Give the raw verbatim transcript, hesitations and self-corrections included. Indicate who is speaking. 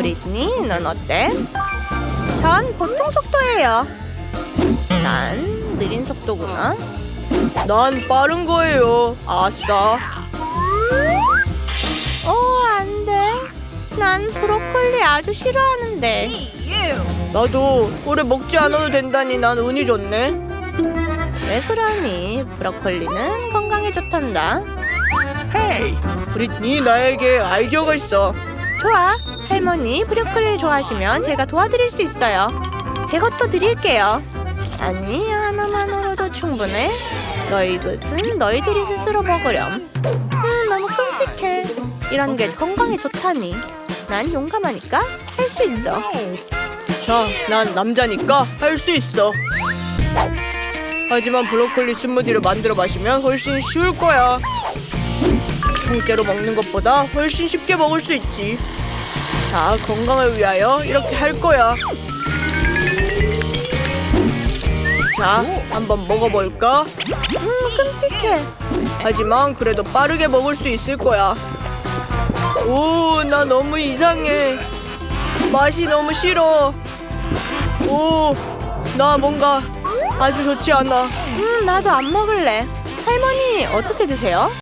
Speaker 1: 브리트니, 넌 어때? 전 보통 속도예요. 난 느린 속도구나.
Speaker 2: 난 빠른 거예요. 아싸.
Speaker 1: 어, 안 돼. 난 브로콜리 아주 싫어하는데.
Speaker 2: 나도 오래 먹지 않아도 된다니 난 운이 좋네.
Speaker 1: 왜 그러니? 브로콜리는 건강에 좋단다.
Speaker 2: 헤이, 브리트니 나에게 아이디어가 있어.
Speaker 1: 좋아. 할머니 브로콜리를 좋아하시면 제가 도와드릴 수 있어요. 제 것도 드릴게요. 아니, 하나만으로도 충분해. 너희 것은 너희들이 스스로 먹으렴. 음, 너무 끔찍해. 이런 게 건강에 좋다니. 난 용감하니까 할 수 있어.
Speaker 2: 자, 난 남자니까 할 수 있어. 하지만 브로콜리 스무디를 만들어 마시면 훨씬 쉬울 거야. 통째로 먹는 것보다 훨씬 쉽게 먹을 수 있지. 자, 건강을 위하여 이렇게 할 거야. 자, 한번 먹어볼까?
Speaker 1: 음, 끔찍해.
Speaker 2: 하지만 그래도 빠르게 먹을 수 있을 거야. 오, 나 너무 이상해. 맛이 너무 싫어. 오, 나 뭔가 아주 좋지 않아.
Speaker 1: 음, 나도 안 먹을래. 할머니, 어떻게 드세요?